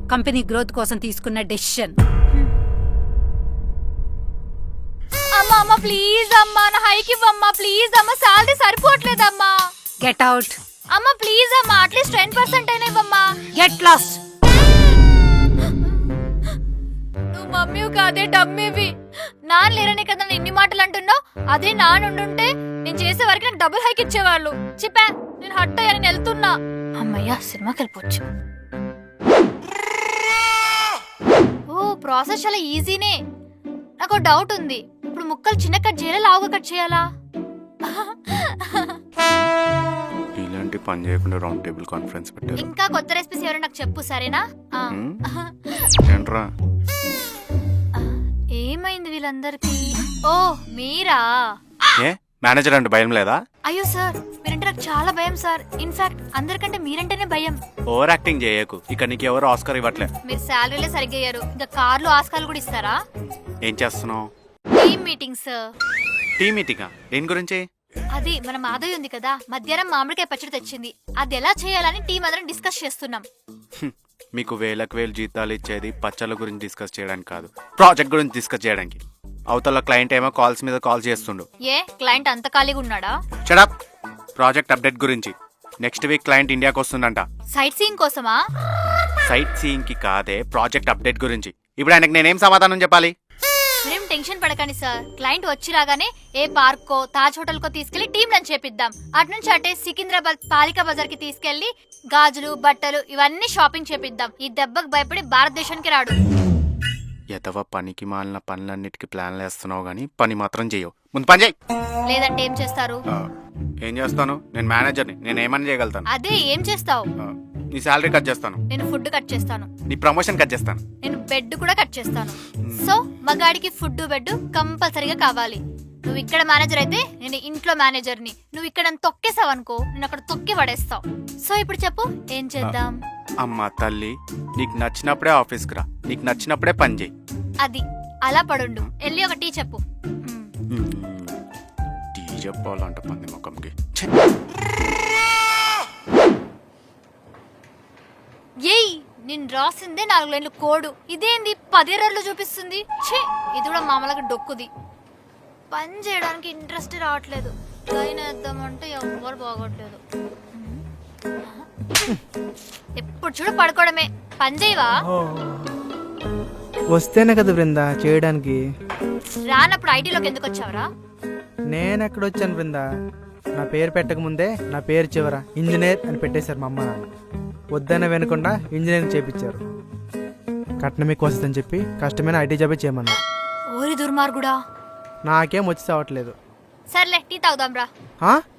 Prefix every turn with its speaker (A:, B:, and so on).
A: Company growth కోసం తీసుకున్న decision.
B: అమ్మా అమ్మ ప్లీజ్ అమ్మా, నా హైక్ ఇవ్వమ్మా ప్లీజ్ అమ్మా, సాలరీ సరిపోవట్లేదమ్మా.
A: Get out.
B: అమ్మా ప్లీజ్ అమ్మా, అట్లీస్ట్ 10% అయినా ఇవ్వమ్మా.
A: Get lost.
B: నువ్వు మమ్మీ కాదే డమ్మీవి. నాన్న లేరనే కదా నేను ఇన్ని మాటలు అంటున్నావు. అదే నాన్న ఉండుంటే నేను చేసే వరకు నాకు డబుల్ హైక్ ఇచ్చేవాళ్ళు. చెప్పా నేను హట్ అయ్యా, నేను వెళ్తున్నా. అమ్మయ్యా సినిమాకి వెళ్ళిపోవచ్చు. ఓ ప్రాసెస్ చాలా ఈజీనే. నాకు డౌట్ ఉంది, ఇప్పుడు ముక్కలు చిన్న కట్ చేయాలా లావుగా కట్ చేయాలా?
C: ఇలాంటి పని చేయకుండా రౌండ్ టేబుల్ కాన్ఫరెన్స్ పెట్టారు.
B: ఇంకా కొత్త రెసిపీస్ ఎవరో నాకు చెప్పు సరేనా?
C: ఏంట్రా
B: ఏమైంది వీళ్ళందరికీ? ఓ మీరా?
C: ఏ మేనేజర్ అంటే భయం లేదా?
B: అయ్యో సార్ మీరంటే నాకు చాలా భయం సార్. ఇన్ఫాక్ట్ అందరికంటే మీరంటేనే భయం.
C: ఓవర్ యాక్టింగ్ చేయకు. ఇక నీకు ఎవరు ఆస్కార్ ఇవ్వట్లే.
B: మీరు శాలరీలే సరిగ్గా అయ్యారు, ఇంకా కార్లు ఆస్కార్లు కూడా ఇస్తారా?
C: ఏం చేస్తున్నావు?
B: Team meeting sir.
C: టీ మీటింగా? దేని గురించి?
B: అది మన మాధవి ఉంది కదా, మధ్యాహ్నం మామిడికాయ పచ్చడి తెచ్చింది. అది ఎలా చేయాలని టీం అందరం డిస్కస్ చేస్తున్నాం.
C: మీకు వేలకు వేలు జీతాలు ఇచ్చేది పచ్చళ్ళ గురించి డిస్కస్ చేయడానికి కాదు, ప్రాజెక్ట్ గురించి డిస్కస్ చేయడానికి. అవతల క్లయింట్ ఏమో కాల్స్ మీద కాల్ చేస్తుండు.
B: ఏ క్లయింట్ అంత ఖాళీగా ఉన్నాడా?
C: షడప్. ప్రాజెక్ట్ అప్డేట్ గురించి. నెక్స్ట్ వీక్ క్లయింట్ ఇండియాకి వస్తుందంట.
B: సైట్ సీయింగ్ కోసమా?
C: సైట్ సీయింగ్ కి కాదే, ప్రాజెక్ట్ అప్డేట్ గురించి. ఇప్పుడు ఆయనకు నేనేం సమాధానం చెప్పాలి?
B: మీరేం టెన్షన్ పడకండి సార్. క్లయింట్ వచ్చి రాగానే ఏ పార్క్ కో తాజ్ హోటల్ కో తీసుకెళ్లి టీం లంచ్ చేపిద్దాం. అటు నుంచి అటే సికింద్రాబాద్ పాలికా బజార్ కి తీసుకెళ్లి గాజులు బట్టలు ఇవన్నీ షాపింగ్ చేపిద్దాం. ఈ దెబ్బకు భయపడి భారతదేశానికి రాడు.
C: ఎదవ పనికి మాలిన పనులన్నిటికీ ప్లాన్లు వేస్తున్నావు గానీ పని మాత్రం చేయవు. ముందు పని చేయి.
B: లేదంటే ఏం చేస్తారు?
C: ఏం చేస్తాను? నేను మేనేజర్ని, నేను ఏమని చేయగలుగుతాను?
B: అదే ఏం చేస్తావు?
C: నీ శాలరీ కట్ చేస్తాను.
B: నేను ఫుడ్ కట్ చేస్తాను.
C: నీ ప్రమోషన్ కట్ చేస్తాను.
B: నేను బెడ్ కూడా కట్ చేస్తాను. సో మగాడికి ఫుడ్ బెడ్ కంపల్సరీగా కావాలి. నువ్వు ఇక్కడ మేనేజర్ అయితే నేను ఇంట్లో మేనేజర్ని. నువ్వు ఇక్కడ తొక్కేసావు అనుకో, నేను అక్కడ తొక్కి పడేస్తావు. సో ఇప్పుడు చెప్పు ఏం చేద్దాం?
C: అమ్మా తల్లి, నీకు నచ్చినప్పుడే ఆఫీస్కి రా, నీకు నచ్చినప్పుడే పని చేయి.
B: అది అలా పడుండు. వెళ్ళి ఒక టీ చెప్పు.
C: టీ చెప్పాలంట పంది ముఖంకి.
B: ఏయ్ నేను రాసిందే 4 లైన్లు కోడు, ఇదేంది 10 ఎర్రర్లు చూపిస్తుంది. ఛీ ఇది కూడా మామూలుగా డొక్కుది. పని చేయడానికి ఇంట్రెస్ట్ రావట్లేదు. లైన్ వేద్దామంటే ఎవ్వరు బాగోట్లేదు. ఎప్పుడు చూడు పడుకోవడమే. పని చేయవా?
D: వస్తేనే కదా బృందా చేయడానికి.
B: రానప్పుడు ఐటీలోకి ఎందుకు వచ్చావరా?
D: నేను ఎక్కడ వచ్చాను బృందా? నా పేరు పెట్టక ముందే నా పేరు చివర ఇంజనీర్ అని పెట్టేశారు మా అమ్మ నాన్న. వద్దనే వినకుండా ఇంజనీరింగ్ చేయించారు. కట్నం ఎక్కువ వస్తుందని చెప్పి కష్టమైన ఐటీ జాబే చేయమన్నారు.
B: ఓరి దుర్మార్గుడా.
D: నాకేం వచ్చి చావట్లేదు.
B: సర్లే టీ తాగుదాం రా.